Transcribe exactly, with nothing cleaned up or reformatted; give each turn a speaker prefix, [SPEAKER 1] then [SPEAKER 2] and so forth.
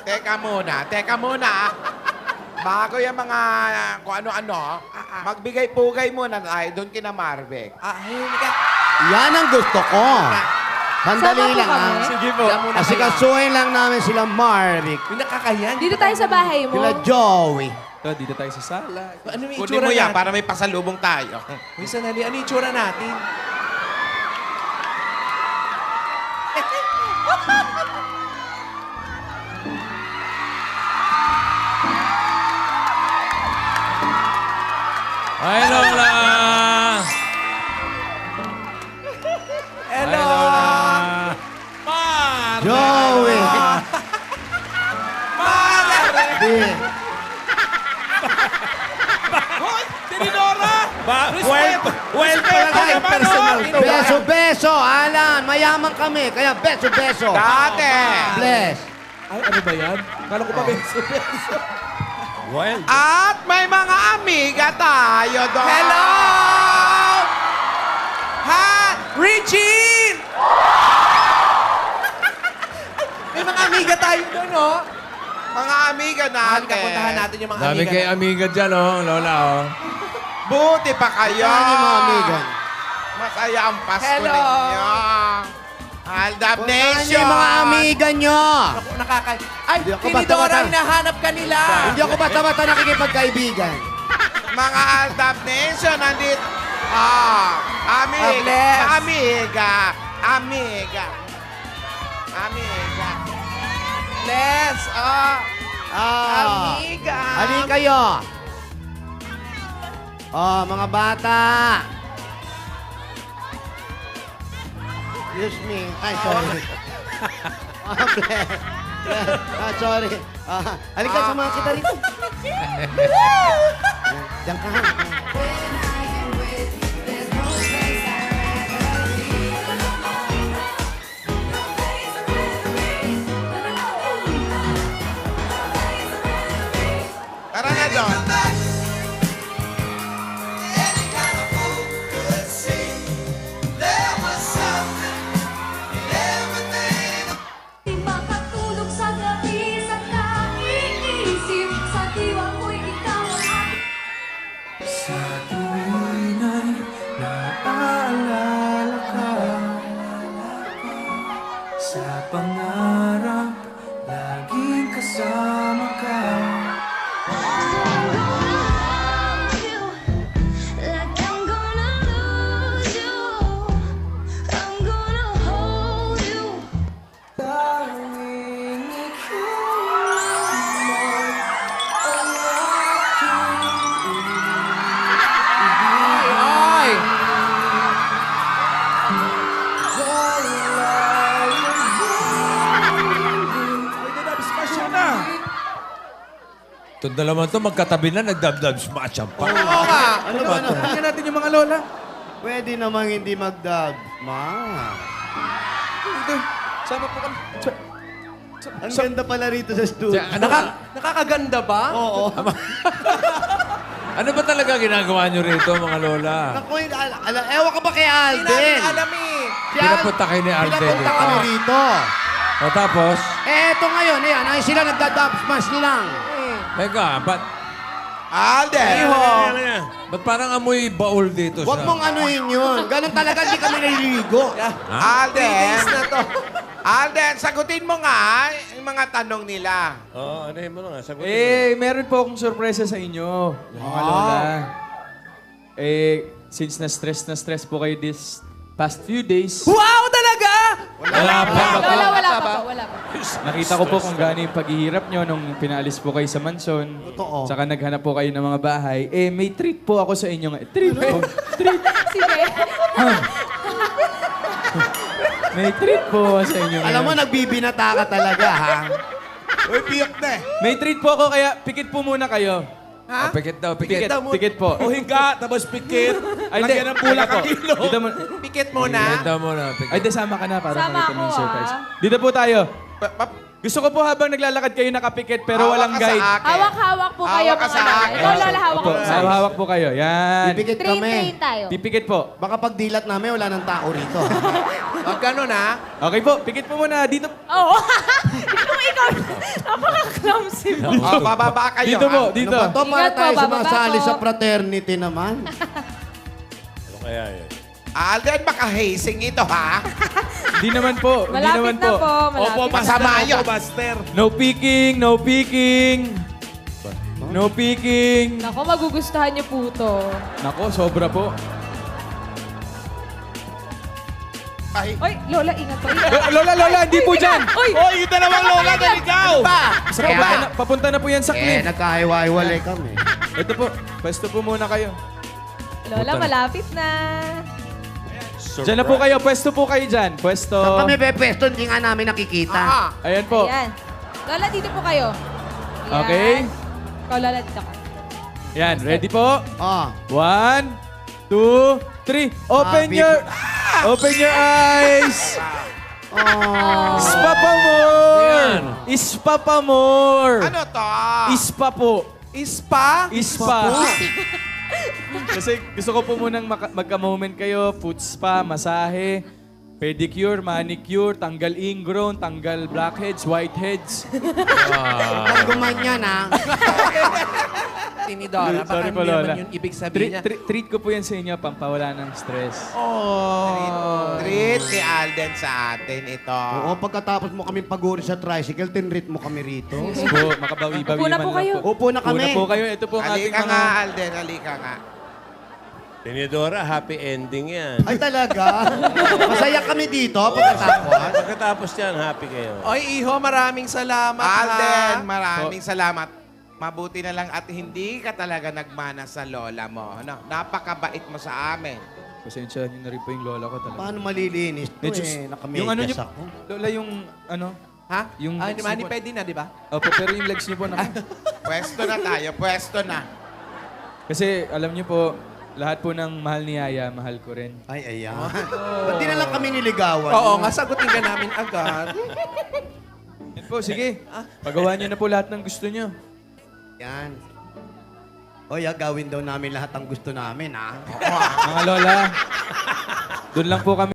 [SPEAKER 1] Teka muna, teka muna. Bago yung mga kung ano-ano, magbigay-pugay muna tayo doon kina Marvic.
[SPEAKER 2] Ah, ayun ka.
[SPEAKER 3] Yan ang gusto ko. Sandali
[SPEAKER 4] Sama po
[SPEAKER 3] lang,
[SPEAKER 4] kami.
[SPEAKER 3] ha?
[SPEAKER 2] Sige po.
[SPEAKER 3] Asikasuhin lang namin sila Marvic,
[SPEAKER 2] Yung nakakayan.
[SPEAKER 4] Dito tayo sa bahay mo.
[SPEAKER 3] sila Joey.
[SPEAKER 5] Ito, dito tayo sa sala.
[SPEAKER 2] Ano yung
[SPEAKER 1] Kunin
[SPEAKER 2] itsura
[SPEAKER 1] mo yan
[SPEAKER 2] natin?
[SPEAKER 1] para may pasalubong tayo.
[SPEAKER 2] Uy, sanali. Ano yung itsura natin?
[SPEAKER 5] Hi, Lola!
[SPEAKER 2] Hello!
[SPEAKER 5] Mar!
[SPEAKER 3] Joey! Di.
[SPEAKER 1] Tinidora!
[SPEAKER 5] Ba, well, well pa lang
[SPEAKER 2] Ay,
[SPEAKER 5] ang
[SPEAKER 2] personal to.
[SPEAKER 3] Beso-beso, Alan. Mayaman kami, kaya beso-beso.
[SPEAKER 1] Dati!
[SPEAKER 3] Bless.
[SPEAKER 2] Ay, ano ba yan? Kala ko pa beso.
[SPEAKER 5] Well,
[SPEAKER 1] At may mga amiga tayo doon.
[SPEAKER 2] Hello! Ha? Regine! May mga amiga tayo doon, no?
[SPEAKER 1] Mga amiga
[SPEAKER 2] Mahal
[SPEAKER 1] natin.
[SPEAKER 2] ka, puntahan natin yung mga
[SPEAKER 5] dami
[SPEAKER 2] amiga.
[SPEAKER 5] kay amiga dyan, oh, Lola, oh.
[SPEAKER 1] Buti pa kayo.
[SPEAKER 3] Yan yung mga amiga.
[SPEAKER 1] Masaya ang Pasko
[SPEAKER 2] Hello.
[SPEAKER 1] ninyo. Aldab
[SPEAKER 3] Puntahan niyo
[SPEAKER 1] Nation.
[SPEAKER 3] yung mga amiga nyo.
[SPEAKER 2] Naku, nakaka... Ay,
[SPEAKER 3] Hindi ako
[SPEAKER 2] Tinidora,
[SPEAKER 3] bata-bata.
[SPEAKER 2] hinahanap ka nila.
[SPEAKER 3] Hindi ako bata-bata nakikipagkaibigan.
[SPEAKER 1] Mga Aldab Nation, nandito. Ah, amiga.
[SPEAKER 2] Ah, bless.
[SPEAKER 1] Amiga. Amiga. Amiga.
[SPEAKER 2] Bless, ah.
[SPEAKER 3] Ah.
[SPEAKER 2] Amiga.
[SPEAKER 3] Halika kayo. Oh, mga bata. Excuse me. Ay, sorry. Ah, bless. Bless. Ah, sorry. Ah, halika, samahan kita rito. Diyan ka.
[SPEAKER 1] Tara na doon.
[SPEAKER 6] Di makatulog sa gabi sa naiisip sa diwa mo'y ikaw ang aking
[SPEAKER 7] Sa tuwin ay naaalala ka. Sa pangarap, laging kasama ka.
[SPEAKER 6] Like I'm gonna lose you, I'm gonna hold you.
[SPEAKER 7] Tanging ikaw lamang ang aking
[SPEAKER 2] Ay!
[SPEAKER 5] Itong dalaman to, magkatabi na, nagdabdab smash ang pa.
[SPEAKER 2] Oo nga.
[SPEAKER 3] Ano ba, ano?
[SPEAKER 2] Tingnan natin yung mga lola.
[SPEAKER 3] Pwede namang hindi magdab. Ma.
[SPEAKER 2] Ito, sama po kami. Sa-
[SPEAKER 3] Ang ganda pala rito sa studio.
[SPEAKER 2] Naka, nakakaganda ba?
[SPEAKER 3] Oo.
[SPEAKER 5] Ano ba talaga ginagawa nyo rito, mga Lola?
[SPEAKER 3] Naku, al al ewan ka ba kay
[SPEAKER 2] Hindi
[SPEAKER 3] Alden?
[SPEAKER 2] namin alam eh.
[SPEAKER 3] Si Al-
[SPEAKER 5] Pinapunta kayo ni Alden
[SPEAKER 3] Pinapunta
[SPEAKER 5] dito.
[SPEAKER 3] kami rito.
[SPEAKER 5] O tapos,
[SPEAKER 3] Eh, eto ngayon, ayan, ay sila nagdadab smash lang.
[SPEAKER 5] teka, ba't,
[SPEAKER 1] Alden.
[SPEAKER 2] Iho.
[SPEAKER 5] ba't parang amoy baul dito
[SPEAKER 3] Huwag
[SPEAKER 5] sa...
[SPEAKER 3] mong anuhin yun. Ganun talaga, hindi kami naliligo.
[SPEAKER 1] Alden.
[SPEAKER 2] Days na to.
[SPEAKER 1] Alden, sagutin mo nga yung mga tanong nila.
[SPEAKER 5] Oo, ano mo nga, sagutin
[SPEAKER 8] Eh, meron po akong sorpresa sa inyo, mga lola. Eh, since na-stress na stress po kayo this past few days,
[SPEAKER 2] Wow, talaga!
[SPEAKER 5] Wala pa.
[SPEAKER 4] Wala, wala pa po, wala pa.
[SPEAKER 8] nakita ko po kung gaano yung paghihirap nyo nung pinaalis po kayo sa mansyon.
[SPEAKER 3] Totoo.
[SPEAKER 8] Saka naghanap po kayo ng mga bahay. Eh, may treat po ako sa inyo. nga- Treat po. Treat.
[SPEAKER 4] Sige.
[SPEAKER 8] May treat po sa inyo.
[SPEAKER 3] Alam mo,
[SPEAKER 8] ngayon.
[SPEAKER 3] nagbibinata ka talaga, ha?
[SPEAKER 1] Uy, piyak na eh.
[SPEAKER 8] May treat po ako, kaya pikit po muna kayo.
[SPEAKER 5] Ha? Pikit daw, pikit.
[SPEAKER 8] Pikit, pikit po.
[SPEAKER 5] O hinga, tapos pikit.
[SPEAKER 8] Ay, hindi.
[SPEAKER 5] Lagyan ng pula
[SPEAKER 8] Teka po.
[SPEAKER 5] kakilo.
[SPEAKER 8] Dito mo.
[SPEAKER 2] Pikit muna.
[SPEAKER 5] Pikit daw muna, pikit.
[SPEAKER 8] Ay, di, sama ka na para
[SPEAKER 4] Sama
[SPEAKER 8] makita mo yung
[SPEAKER 4] ako,
[SPEAKER 8] surprise.
[SPEAKER 4] ah.
[SPEAKER 8] Dito po tayo.
[SPEAKER 1] Pa- pa-
[SPEAKER 8] Gusto ko po habang naglalakad kayo nakapikit pero
[SPEAKER 1] hawak
[SPEAKER 8] walang
[SPEAKER 1] ka sa
[SPEAKER 8] guide.
[SPEAKER 1] akin.
[SPEAKER 4] Hawak-hawak po kayo,
[SPEAKER 1] Hawak ka
[SPEAKER 4] mga
[SPEAKER 1] sa
[SPEAKER 4] lola.
[SPEAKER 1] akin.
[SPEAKER 4] Ikaw, lola, hawak
[SPEAKER 8] Opo,
[SPEAKER 4] po.
[SPEAKER 8] hawak po kayo. Yan.
[SPEAKER 3] Pipikit
[SPEAKER 4] Train,
[SPEAKER 3] kami.
[SPEAKER 4] train tayo.
[SPEAKER 8] Pipikit po.
[SPEAKER 3] Baka pag dilat namin, wala nang tao rito.
[SPEAKER 2] Wag ganun, ha?
[SPEAKER 8] Okay po, pikit po muna. Dito.
[SPEAKER 4] Oo. Ikaw, ikaw. Napaka si
[SPEAKER 1] Oh, bababa kayo.
[SPEAKER 8] Dito po,
[SPEAKER 1] ah.
[SPEAKER 8] dito.
[SPEAKER 3] Ano ba to? Para
[SPEAKER 4] Ingat po,
[SPEAKER 3] tayo
[SPEAKER 4] bababa
[SPEAKER 3] sumasali
[SPEAKER 4] po.
[SPEAKER 3] sa fraternity naman.
[SPEAKER 5] Ano kaya yun?
[SPEAKER 1] Alden, baka hazing ito, ha?
[SPEAKER 8] Hindi naman po. Hindi
[SPEAKER 4] Malapit
[SPEAKER 8] naman
[SPEAKER 4] na po. Malapit
[SPEAKER 1] Opo,
[SPEAKER 4] na.
[SPEAKER 1] masama yun.
[SPEAKER 8] No peeking, no peeking. No peeking.
[SPEAKER 4] Nako, magugustuhan niyo po to.
[SPEAKER 8] Nako, sobra po.
[SPEAKER 1] Ay,
[SPEAKER 4] Oy, Lola, ingat po. Ingat.
[SPEAKER 8] Lo- Lola, Lola, hindi po dyan.
[SPEAKER 4] Uy!
[SPEAKER 1] Oy, yung dalawang lola na ikaw!
[SPEAKER 8] Sa papunta, na, papunta na po yan sa
[SPEAKER 3] Eh,
[SPEAKER 8] cliff.
[SPEAKER 3] nagkahiwa-hiwalay kami.
[SPEAKER 8] Ito po, pwesto po muna kayo.
[SPEAKER 4] Lola, malapit na.
[SPEAKER 8] Diyan na po kayo, pwesto po kayo dyan. Pwesto.
[SPEAKER 3] Saan kami pepesto, hindi nga namin nakikita.
[SPEAKER 1] Ah,
[SPEAKER 8] Ayan po.
[SPEAKER 4] Ayan. Lola, dito po kayo. Ayan.
[SPEAKER 8] Okay.
[SPEAKER 4] Ikaw, Lola, dito ka.
[SPEAKER 8] Yan, ready po?
[SPEAKER 3] Ah.
[SPEAKER 8] One, two, three. Open
[SPEAKER 3] Happy-
[SPEAKER 8] your... Open your eyes!
[SPEAKER 3] Oh.
[SPEAKER 8] Ispa pa more! Ispa pa more!
[SPEAKER 1] ano to?
[SPEAKER 8] Ispa po.
[SPEAKER 2] Ispa?
[SPEAKER 8] Ispa. Kasi gusto ko po munang maka- magka-moment kayo. Foot spa, masahe, pedicure, manicure, tanggal ingrown, tanggal blackheads, whiteheads.
[SPEAKER 3] Pag gumanyan, ha?
[SPEAKER 2] Tinidora, baka
[SPEAKER 8] Sorry po,
[SPEAKER 2] hindi
[SPEAKER 8] Lola.
[SPEAKER 2] naman yung ibig sabihin
[SPEAKER 8] Treat,
[SPEAKER 2] niya.
[SPEAKER 8] treat, treat ko po yan sa inyo, pampawala ng stress.
[SPEAKER 2] Oh.
[SPEAKER 1] Treat ni Alden sa atin ito.
[SPEAKER 3] Oo, pagkatapos mo kami paguri sa tricycle, tinrit mo kami rito.
[SPEAKER 8] Po, makabawi-bawi
[SPEAKER 4] Upo na
[SPEAKER 8] man
[SPEAKER 4] po
[SPEAKER 8] lang
[SPEAKER 4] kayo.
[SPEAKER 8] po.
[SPEAKER 3] Upo na kami.
[SPEAKER 8] Upo na po kayo. Ito po ang ating
[SPEAKER 1] Halika
[SPEAKER 8] mga...
[SPEAKER 1] nga, Alden. Halika nga.
[SPEAKER 5] Tinidora, happy ending yan.
[SPEAKER 3] Ay, talaga? Masaya kami dito pagkatapos.
[SPEAKER 5] Pagkatapos yan, happy kayo.
[SPEAKER 2] Oy, Iho, maraming salamat,
[SPEAKER 1] Alden,
[SPEAKER 2] ha?
[SPEAKER 1] maraming salamat. Mabuti na lang at hindi ka talaga nagmana sa lola mo. Ano? Napakabait mo sa amin.
[SPEAKER 8] Pasensya niyo na rin po yung lola ko talaga.
[SPEAKER 3] Paano malilinis to
[SPEAKER 8] Medyo-
[SPEAKER 3] eh?
[SPEAKER 8] yung ano niyo,
[SPEAKER 3] Nakamedyas ako.
[SPEAKER 8] lola, yung ano,
[SPEAKER 2] Ha?
[SPEAKER 8] Yung
[SPEAKER 2] ah,
[SPEAKER 8] legs
[SPEAKER 2] mani
[SPEAKER 8] niyo po.
[SPEAKER 2] pwede na, di ba?
[SPEAKER 8] opo, pero yung legs niyo po na.
[SPEAKER 1] Pwesto na tayo, pwesto na.
[SPEAKER 8] Kasi alam niyo po, lahat po ng mahal ni Yaya, mahal ko rin.
[SPEAKER 3] Ay, ayan. Ba't di na lang kami niligawan?
[SPEAKER 2] Oo, nga, sagutin ka namin agad.
[SPEAKER 8] Yan po, sige. Pagawa niyo na po lahat ng gusto niyo.
[SPEAKER 3] Yan. Oy, ah, gawin daw namin lahat ang gusto namin, ha?
[SPEAKER 8] Mga lola, doon lang po kami.